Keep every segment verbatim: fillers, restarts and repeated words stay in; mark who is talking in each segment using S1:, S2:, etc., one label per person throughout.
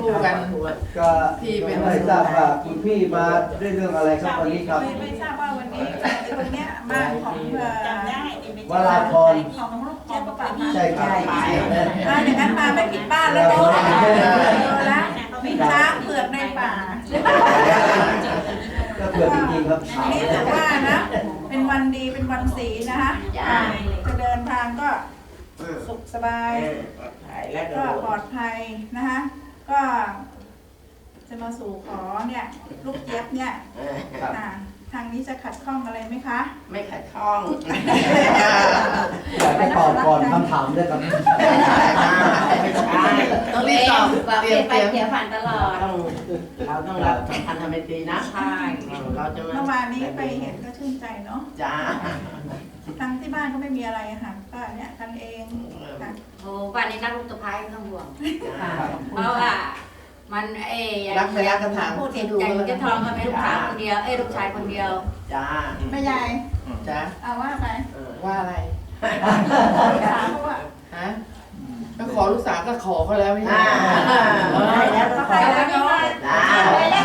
S1: กัน
S2: ก็ไม่ทราบว่าคุณพี่มาด้วยเรื่องอะไรครับวันนี้ครับ
S3: ไม่ไม่ทราบว่าวันนี้ตรงเนี้ยบ้านของเอ่อ
S4: จำได้
S2: วราพร
S3: ของลูกเจี๊ยบป่ะ
S2: ใช่ครับ
S3: มาอย่างนั้นมาไม่ผิดบ้านแล้วเนาะแล้วมีช้างเผือกในป่า
S2: ก็เผื่อจริงๆครับ
S3: วันนี้ถือว่านะเป็นวันดีเป็นวันศีลนะคะจะเดินทางก็สุขสบายก็ปลอดภัยนะคะก็จะมาสู่ขอเนี่ยลูกเจี๊ยบเนี่ยทางนี้จะขัดข้องอะไรไหมคะ
S4: ไม่ขัดข้อง
S2: อยากให้ตอบก่อนคำถามด้วยครับ
S1: ต้องรีบตอบ
S5: ว่า
S1: เต
S5: เป
S1: รี
S5: ลี่
S1: ย
S5: ย
S1: ม
S5: น
S1: เต
S5: ไป
S1: รียม
S5: เปลี่ยนผ่านตลอด
S4: ต้องเราต้องรับสำคัญทำเป็นตีนะใช่เราจะมา
S3: เมื่อวานนี้ไปเห็นก็ชื่นใจเนาะ
S4: จ้า
S3: ทั้งที่บ้านก็ไม่มีอะไรค่ะก็เนี่ยกันเองค่ะ
S5: โอ้วันนี้นักลูกตะไคร้ต้องห่วงเพราะว่ามันเอ้ย
S1: รักไม่รักกันถาม
S5: พูด
S1: ที่
S5: ถึง
S1: ดู
S5: ใจ
S1: แล้ว
S5: จะทองก็เป็นลูกสาวคนเดียวเอ้ยลูกชายคนเดียว
S4: จ้า
S3: แม่ยาย
S1: จ้า
S3: เอาว่าไป
S1: ว่าอะไร
S3: ถามเขาว่า
S1: ฮะก็ขอลูกสาวก็ขอเขาแล้วไม่ใช่
S3: เขาใครแล้วเนาะ
S4: จ้า
S2: ไม่ได้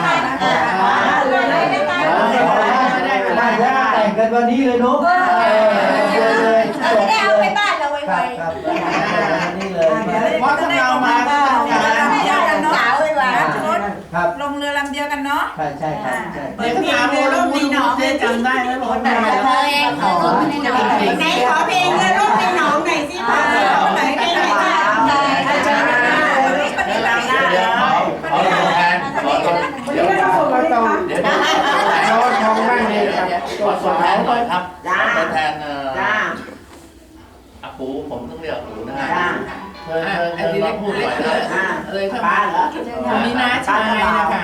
S2: แต่งกันวันนี้เลยเนาะเลยจบเลย
S5: บ้านเราไว
S2: ครับวันนี้เลย
S1: เพราะถ้าเรามาก็ต้องการ
S3: เดียวกันเนาะ
S5: สาวไวไว
S2: ครับ
S3: ลงเรือลำเดียวกันเนาะ
S2: ใช่ใช่ครับใช่
S1: เด็กถามเลยรูปนี้น้องได้จำได้ไหมบอกได้
S5: เธอเองเธอสุดในหนอง
S4: ไหนขอเพลงเลยรูปในหนองหน่อยสิพ่อไหนไหนไหนจ้า
S3: เจอกันนะวันนี้ปฏิบัติหน้า
S6: เดี๋ยวขอขอตัวแทนขอตัวเดี๋ยวเดี๋ยวเราทองนั่งนี่ครับขอตัวแทนหน่อยครับขอตัวแทนเอ่อ
S4: จ้า
S6: อาปูผมต้องเรียกอาปูนะ
S4: จ้า
S6: เธอเธอเธอมาพูดหน่อยนะ
S4: อ่า
S1: เลย
S4: ป้าเหรอ
S1: คนนี้น้าชายนะคะ